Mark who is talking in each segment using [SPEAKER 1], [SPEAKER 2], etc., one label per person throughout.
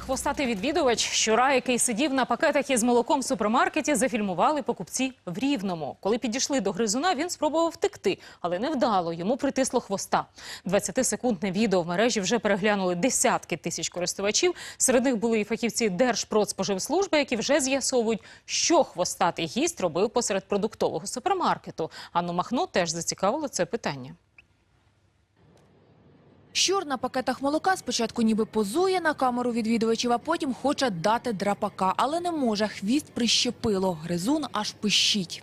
[SPEAKER 1] хвостатий відвідувач. Щура, який сидів на пакетах із молоком в супермаркеті, зафільмували покупці в Рівному. Коли підійшли до гризуна, він спробував втекти, але невдало, йому притисло хвоста. 20-секундне відео в мережі вже переглянули десятки тисяч користувачів. Серед них були і фахівці Держпродспоживслужби, які вже з'ясовують, що хвостатий гість робив посеред продуктового супермаркету. Анну Махно теж зацікавило це питання.
[SPEAKER 2] Щур на пакетах молока спочатку ніби позує на камеру відвідувачів, а потім хоче дати драпака. Але не може, хвіст прищепило. Гризун аж пищить.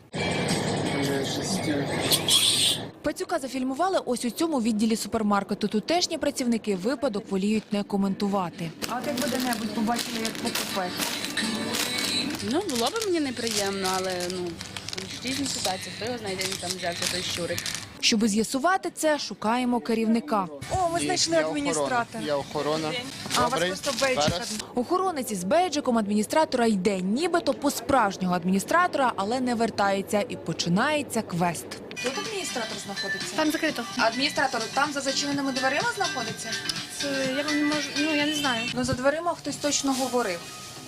[SPEAKER 2] Пацюка зафільмували ось у цьому відділі супермаркету. Тутешні працівники випадок воліють не коментувати.
[SPEAKER 3] А от якби де-небудь побачили, як покупець?
[SPEAKER 4] Ну, було б мені неприємно, але різні ситуації. Хто його знайде, він там взявся той щурик.
[SPEAKER 2] Щоби з'ясувати це, шукаємо керівника.
[SPEAKER 3] О, ми знайшли адміністратора.
[SPEAKER 5] Я охорона.
[SPEAKER 3] А у вас просто бейджик.
[SPEAKER 2] Охоронець із бейджиком адміністратора йде, нібито по справжнього адміністратора, але не вертається. І починається квест.
[SPEAKER 3] Тут адміністратор знаходиться?
[SPEAKER 6] Там закрито.
[SPEAKER 3] Адміністратор там за зачиненими дверима знаходиться?
[SPEAKER 6] Це я вам не можу, я не знаю.
[SPEAKER 3] Ну, за дверима хтось точно говорив.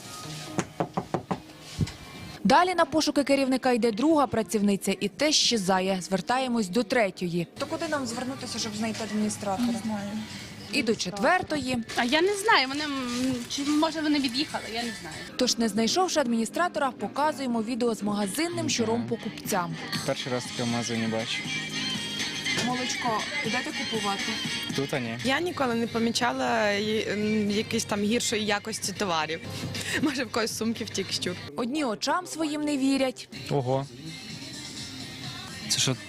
[SPEAKER 2] Далі на пошуки керівника йде друга працівниця і теж щезає. Звертаємось до третьої.
[SPEAKER 3] То куди нам звернутися, щоб знайти адміністратора? Не знаю.
[SPEAKER 2] І до четвертої.
[SPEAKER 4] А я не знаю, чи може вони від'їхали, я не знаю.
[SPEAKER 2] Тож, не знайшовши адміністратора, показуємо відео з магазинним щуром покупцям.
[SPEAKER 5] Перший раз таке в магазині бачу.
[SPEAKER 3] Молочко, підете купувати?
[SPEAKER 5] Тут ні.
[SPEAKER 7] Я ніколи не помічала якісь там гіршої якості товарів. Може, в когось сумки втік щур.
[SPEAKER 2] Одні очам своїм не вірять.
[SPEAKER 8] Ого. Це що?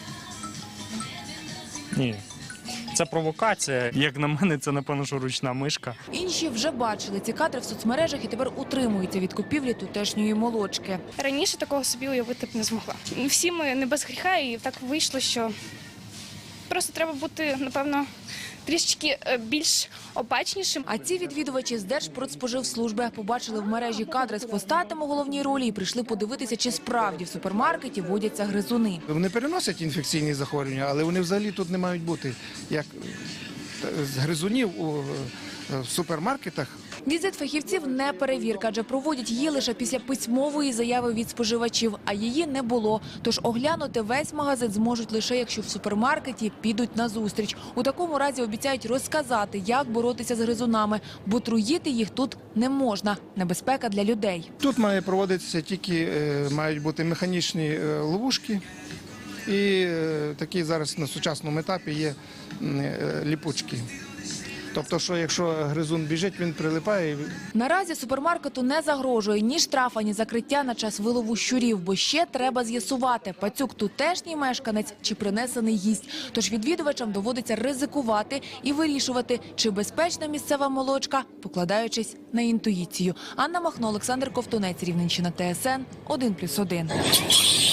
[SPEAKER 8] Ні. Це провокація. Як на мене, це, напевно, що ручна мишка.
[SPEAKER 2] Інші вже бачили ці кадри в соцмережах і тепер утримуються від купівлі тутешньої молочки.
[SPEAKER 6] Раніше такого собі уявити б не змогла. Всі ми не без гріха, і так вийшло, що просто треба бути, напевно, трішечки більш обачнішим.
[SPEAKER 2] А ці відвідувачі з Держпродспоживслужби побачили в мережі кадри з хвостатим у головній ролі і прийшли подивитися, чи справді в супермаркеті водяться гризуни.
[SPEAKER 9] Вони переносять інфекційні захворювання, але вони взагалі тут не мають бути. Як з гризунів у супермаркетах.
[SPEAKER 2] Візит фахівців не перевірка, адже проводять її лише після письмової заяви від споживачів, а її не було. Тож оглянути весь магазин зможуть лише, якщо в супермаркеті підуть на зустріч. У такому разі обіцяють розказати, як боротися з гризунами, бо труїти їх тут не можна. Небезпека для людей.
[SPEAKER 9] Тут має проводитися тільки, мають бути механічні ловушки. І такі зараз на сучасному етапі є ліпучки. Тобто, що якщо гризун біжить, він прилипає.
[SPEAKER 2] Наразі супермаркету не загрожує ні штраф, ні закриття на час вилову щурів, бо ще треба з'ясувати, пацюк тутешній мешканець чи принесений гість. Тож відвідувачам доводиться ризикувати і вирішувати, чи безпечна місцева молочка, покладаючись на інтуїцію. Анна Махно, Олександр Ковтунець, Рівненщина, ТСН 1+1.